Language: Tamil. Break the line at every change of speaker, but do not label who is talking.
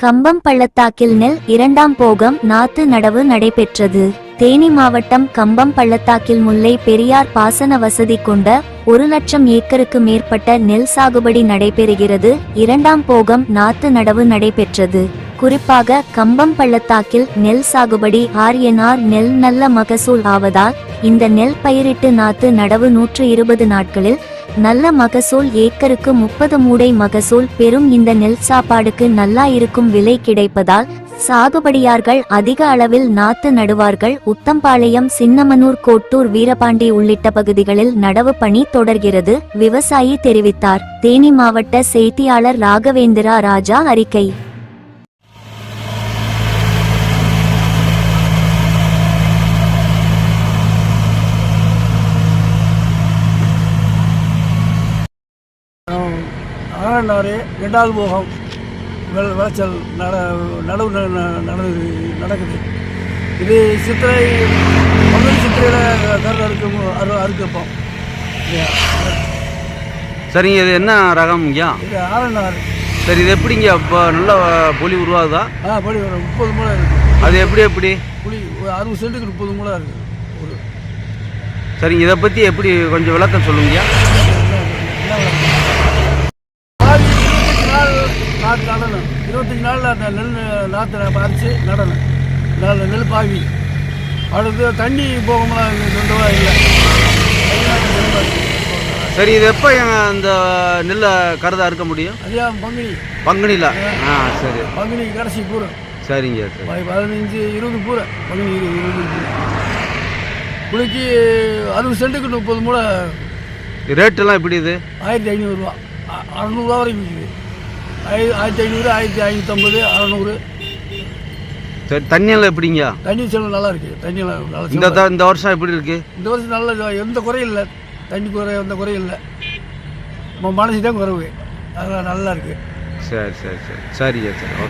கம்பம் பள்ளத்தாக்கில் நெல் இரண்டாம் போகம் நாத்து நடவு நடைபெற்றது. தேனி மாவட்டம் கம்பம் பள்ளத்தாக்கில் முல்லை பெரியார் பாசன வசதி கொண்ட 1,00,000 ஏக்கருக்கு மேற்பட்ட நெல் சாகுபடி நடைபெறுகிறது. இரண்டாம் போகம் நாத்து நடவு நடைபெற்றது. குறிப்பாக கம்பம் பள்ளத்தாக்கில் நெல் சாகுபடி ஆர்என்ஆர் நெல் நல்ல மகசூல் ஆவதால் இந்த நெல் பயிரிட்டு நாத்து நடவு 120 நாட்களில் நல்ல மகசூல் ஏக்கருக்கு 30 மூடை மகசூல் பெறும். இந்த நெல் சாப்பாடுக்கு நல்லா இருக்கும் விலை கிடைப்பதால் சாகுபடியார்கள் அதிக அளவில் நாத்து நடுவார்கள். உத்தம்பாளையம், சின்னமனூர், கோட்டூர், வீரபாண்டி உள்ளிட்ட பகுதிகளில் நடவு பணி தொடர்கிறது, விவசாயி தெரிவித்தார். தேனி மாவட்ட செய்தியாளர் ராகவேந்திரா ராஜா அறிக்கை.
ஆரண்டாறு ரெண்டாவது போகம் விளைச்சல் நடவு நடக்குது. இது சித்திரை 11 சித்திரையில் கருது அறுக்கப்போம்.
சரிங்க, இது என்ன ரகம் ஐயா?
இது ஆரண்டாறு.
சரி, இது எப்படிங்க இப்போ நல்ல புளி உருவாகுதா?
புளி வரும். 30 மூளை இருக்குது.
அது எப்படி
புளி 60 சென்ட்டுக்கு 30 மூளை இருக்குது.
சரிங்க, இதை பற்றி எப்படி கொஞ்சம் விளக்கம் சொல்லுங்கய்யா.
நாற்று நடணும். 25 நாளில் அந்த நெல் நாற்று பறித்து நடணும். நெல் பாவி அடுத்து தண்ணி போகமெல்லாம் இல்லை.
சரி, இது எப்போ அந்த நெல்லை கருதாக இருக்க முடியும்?
ஐயா
பங்குனியில். சரி,
பங்குனி கடைசி பூரை.
சரிங்க.
15-20 பூரை. பங்குனி 20 பூரை. புளிக்கு 60 சென்ட்டுக்கு 30 மூளை.
ரேட்டெல்லாம் எப்படி? இது
1500 ரூபா, 600 ரூபா வரைக்கும் இருக்குது. 1500, 1550, 600.
சரி, தண்ணியெல்லாம் எப்படிங்க?
தண்ணி செலவு நல்லா இருக்குது. தண்ணியெல்லாம் நல்லா.
இந்த வருஷம் எப்படி இருக்குது?
இந்த வருஷம் நல்ல எந்த குறையும் இல்லை. தண்ணி எந்த குறையும் இல்லை. நம்ம மனசு தான் குறைவு. அதெல்லாம் நல்லா இருக்குது.
சரி, சரிங்க. சரி.